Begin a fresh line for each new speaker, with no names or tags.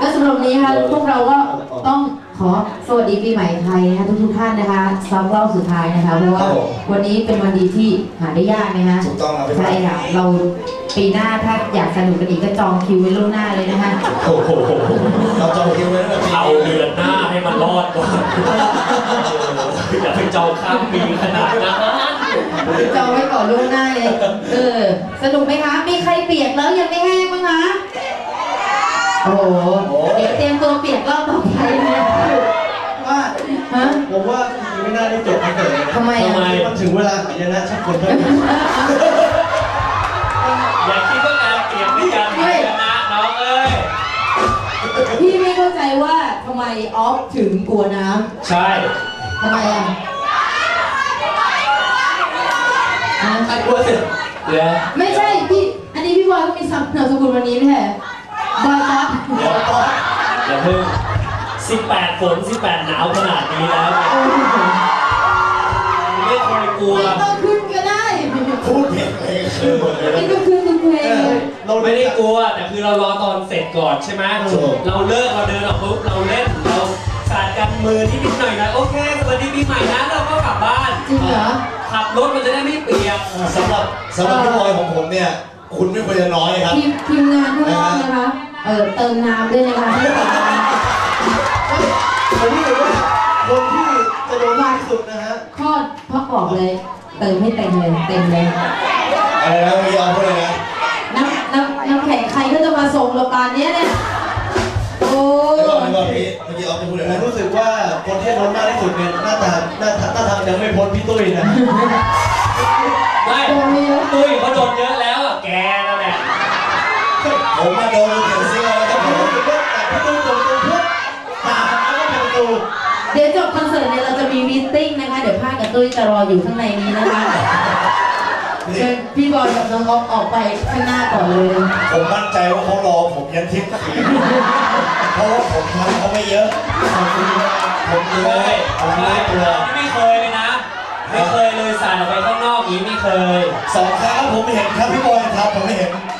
และสำหรับวันนี้ค่ะพวกเราก็ต้องขอสวัสดีปีใหม่ไทยนะคะทุกท่านนะคะซ้ำรอบสุดท้ายนะคะเพราะว่าวันนี้เป็นวันดีที่หาได้ยากนะคะ
ถูกต้องครับ
ใช่ค่ะเราปีหน้าถ้าอยากสนุกกันอีกก็จองคิวไว้ล่วงหน้าเลยนะคะ
โอ้โหเราจองคิวไว้ตั้งแต่
เอาเดือนหน้าให้มันรอดก่อนอย่าไปจองข้ามปีขนาดนั้น
จองไว้ก่อนล่วงหน้าเลยสนุกไหมคะมีใครเปียกแล้วยังไม่แห้งบ้างคะโอ้โหเดี๋ยวเตรียมตัวเปียกรอบต่อไปนะ
ว่าผมว่าไม่น่าได้จบคอนเสิร์ตเลย
ทำไม
มันถึงเวลาหายนะชักคนเพิ่ม
อย่าคิดว่าการเปลี่ยนเป็นการชนะน้องเอ้ย
พี่ไม่เข้าใจว่าทำไมออฟถึงกลัวน้ำ
ใช่
ทำไมอ่ะ
กลัวสิ
ไม่ใช่พี่อันนี้พี่บอยก็มีนามสกุลวันนี้ไม่ใช่บอยครับ
อย่าเพิ่ง18 ฝน 18 หนาวขนาดนี้แล้วไม่เคยกลัว
ไม่ต้องขึ้นก็ได้
พูดเพลง
ไม่ต้องขึ้นทุกเพลง
เราไม่ได้กลัวแต่คือเรารอตอนเสร็จก่อนใช่ไหมเราเลิกเราเดินออกปุ๊บเราเล่นเราสาดกันมือนิดหน่อยนะโอเคสวัสดีปีใหม่นะเราก็กลับบ้าน
จริงเหรอ
ขับรถมันจะได้ไม่เปียก
สำหรับพี่บอยของผมเนี่ยคุณไม่ควรจะน้อยครับ
ทีมงานข้างนอกนะคะเติมน้ำด้วยนะคะให้เติมน้ำ
คนที่คนที่จะโดนมากที่สุดนะฮะ
พ่อบอกเลยเติมให้เต็มเลย
อะไรนะพี่เอาพูดเลยนะ
น้ำแข็งใครก็จะมาส่งเราปานนี้เนี่ยโอ้
เมื่อกี้เอาจะพูดเลยนะ
รู้สึกว่าคนที่โดนมากที่สุดเนี่ยหน้าทางยังไม่พ้นพี่ตุ้ยนะ
ไม่ตุ้ยเขาโดนเยอะแล้วอ่ะแกนั่นแหละ
ผมมาโดนเขียนเสื้อแล้วก็ผม
รู้สึกว่าพี่ตุ้ยโดนตัวพุทธตาแล้วก็เป็นประตู
เดี๋ยวจบคอนเสิร์ตเนี่ยเราจะมีมีตติ้งนะคะเดี๋ยวภาคกับตุ้ยจะรออยู่ข้างในนี้นะคะเชิญพี่บอยกับน้องอ๊อฟออกไปข้างหน้าก่อนเลย
ผมมั่นใจว่าเขารอผมยันทิพย์เพราะว่าผมทำเขาไม่เยอะผมเลย
ไม่เคยเลยนะไม่เคยเลยสาดออกไปข้างนอกนี้ไม่เคย
2 ครั้งผมไม่เห็นครับพี่บอยครับผมไม่เห็น